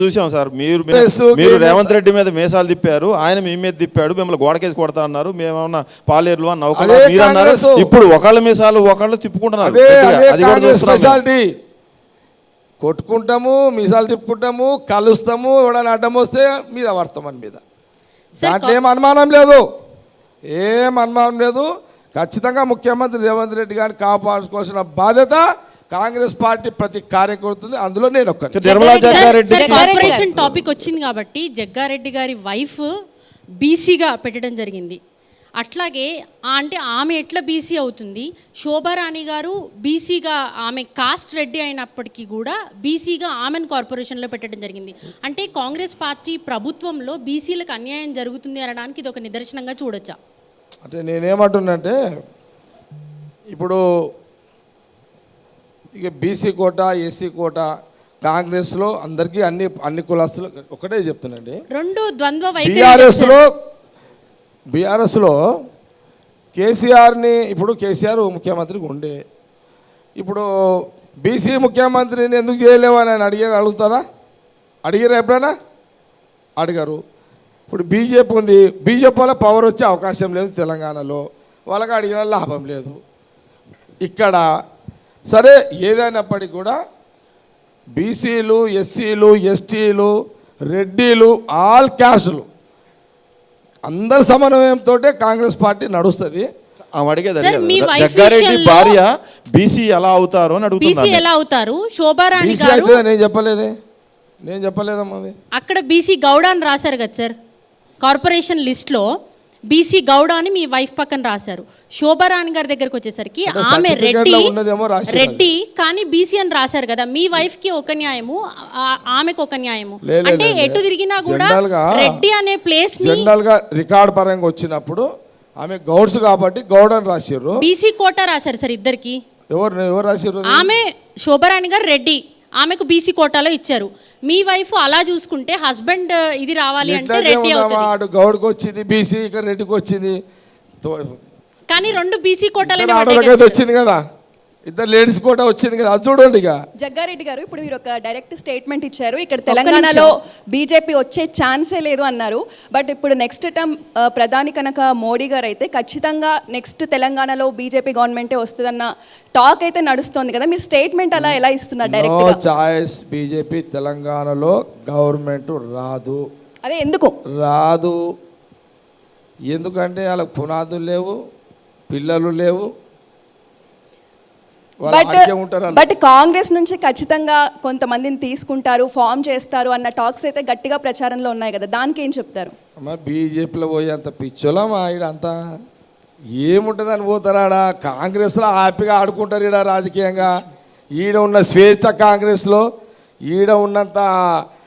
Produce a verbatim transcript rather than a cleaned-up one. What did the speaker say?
చూసాం సార్. మీరు మీరు రేవంత్ రెడ్డి మీద మేసాలు తిప్పారు, ఆయన మీ మీద తిప్పాడు, మిమ్మల్ని గోడకేసి కొడతా అన్నారు, మేమేమన్నా పాలేరులు అని నౌకలు మీరు అన్నారు. ఇప్పుడు ఒకళ్ళ మీసాలు ఒకళ్ళు తిప్పుకుంటున్నారు. అది కూడా చూస్తున్నాం. కొట్టుకుంటాము, మీసాలు తిప్పుకుంటాము, కలుస్తాము, ఎవడైనా అడ్డం వస్తే మీద పడతాం అని మీద. దాంట్లో ఏం అనుమానం లేదు, ఏం అనుమానం లేదు. ఖచ్చితంగా ముఖ్యమంత్రి రేవంత్ రెడ్డి గారిని కాపాడుకోవాల్సిన బాధ్యత కాంగ్రెస్ పార్టీ ప్రతి కార్యకర్త, అందులో నేను ఒక్క కార్పొరేషన్ టాపిక్ వచ్చింది కాబట్టి జగ్గారెడ్డి గారి వైఫ్ బీసీగా పెట్టడం జరిగింది. అట్లాగే అంటే ఆమె ఎట్లా బీసీ అవుతుంది? శోభారాణి గారు బీసీగా, ఆమె కాస్ట్ రెడ్డి అయినప్పటికీ కూడా బీసీగా ఆమెను కార్పొరేషన్లో పెట్టడం జరిగింది. అంటే కాంగ్రెస్ పార్టీ ప్రభుత్వంలో బీసీలకు అన్యాయం జరుగుతుంది అనడానికి ఇది ఒక నిదర్శనంగా చూడొచ్చా? అంటే నేనేమంటున్నంటే, ఇప్పుడు ఇక బీసీ కోట, ఎస్సీ కోట కాంగ్రెస్లో అందరికీ అన్ని అన్ని కులాస్తులు ఒకటే చెప్తున్నాండి. రెండు ద్వంద్వ బీఆర్ఎస్లో బీఆర్ఎస్లో కేసీఆర్ని, ఇప్పుడు కేసీఆర్ ముఖ్యమంత్రికి ఉండే, ఇప్పుడు బీసీ ముఖ్యమంత్రిని ఎందుకు చేయలేవు అని ఆయన అడిగే అడుగుతారా? అడిగారు ఎప్పుడైనా? అడిగారు. ఇప్పుడు బీజేపీ ఉంది, బీజేపీ వల్ల పవర్ వచ్చే అవకాశం లేదు తెలంగాణలో, వాళ్ళకి అడిగిన లాభం లేదు. ఇక్కడ సరే ఏదైనప్పటికీ కూడా బీసీలు, ఎస్సీలు, ఎస్టీలు, రెడ్డిలు, ఆల్ క్యాస్టులు అందరి సమన్వయంతో కాంగ్రెస్ పార్టీ నడుస్తుంది. జగ్గారెడ్డి భార్య బీసీ ఎలా అవుతారు అని అడుగుతున్నారు. ఎలా అవుతారు? శోభారాణి గారు నేను చెప్పలేదే, నేను చెప్పలేదమ్మా. అక్కడ బీసీ గౌడ అని రాశారు కదా సార్, కార్పొరేషన్ లిస్ట్లో బీసీ గౌడ అని మీ వైఫ్ పక్కన రాశారు. శోభారాణి గారి దగ్గరకు వచ్చేసరికి ఆమె రెడ్డి రెడ్డి కానీ బీసీ అని రాశారు కదా. మీ వైఫ్ కి ఒక న్యాయము, ఆమెకు ఒక న్యాయము. అంటే ఎటు తిరిగినా కూడా రెడ్డి అనే ప్లేస్ జనరల్ గా రికార్డ్ పరంగా వచ్చినప్పుడు ఆమె గౌడ్స్ కాబట్టి గౌడ్ అని రాశారు. బీసీ కోటా రాశారు సార్ ఇద్దరికి. ఎవరు ఎవరు రాశారు? ఆమె శోభారాణి గారు రెడ్డి, ఆమెకు బీసీ కోటాలో ఇచ్చారు. మీ వైఫ్ అలా చూసుకుంటే హస్బెండ్ ఇది రావాలి అంటే రెడ్డి అవుతుంది. గౌడ్కి వచ్చింది బీసీ, ఇక్కడ రెడ్డికి వచ్చింది. కానీ రెండు బీసీ కోటాలు వచ్చింది కదా, ఇద్దరు లేడీస్ కోటా వచ్చింది కదా, అది చూడండి. ఇక జగ్గారెడ్డి గారు ఇప్పుడు మీరు ఒక డైరెక్ట్ స్టేట్మెంట్ ఇచ్చారు, ఇక్కడ తెలంగాణలో బీజేపీ వచ్చే ఛాన్సే లేదు అన్నారు. బట్ ఇప్పుడు నెక్స్ట్ టర్మ్ ప్రధాని కనుక మోడీ గారు అయితే ఖచ్చితంగా నెక్స్ట్ తెలంగాణలో బీజేపీ గవర్నమెంటే వస్తుందన్న టాక్ అయితే నడుస్తుంది కదా, మీరు స్టేట్మెంట్ అలా ఎలా ఇస్తున్నారు? డైరెక్ట్ నో చాయిస్, బీజేపీ తెలంగాణలో గవర్నమెంట్ రాదు. అదే ఎందుకు రాదు? ఎందుకంటే వాళ్ళకి పునాదులు లేవు, పిల్లలు లేవు. బట్ బట్ కాంగ్రెస్ నుంచి ఖచ్చితంగా కొంతమందిని తీసుకుంటారు, ఫామ్ చేస్తారు అన్న టాక్స్ అయితే గట్టిగా ప్రచారంలో ఉన్నాయి కదా, దానికి ఏం చెప్తారు? అమ్మా బీజేపీలో పోయి అంత పిచ్చోలమ్మా, ఈడ అంతా ఏముంటుందని పోతారాడా? కాంగ్రెస్లో హ్యాపీగా ఆడుకుంటారు ఈడ రాజకీయంగా. ఈడ ఉన్న స్వేచ్ఛ కాంగ్రెస్లో, ఈడ ఉన్నంత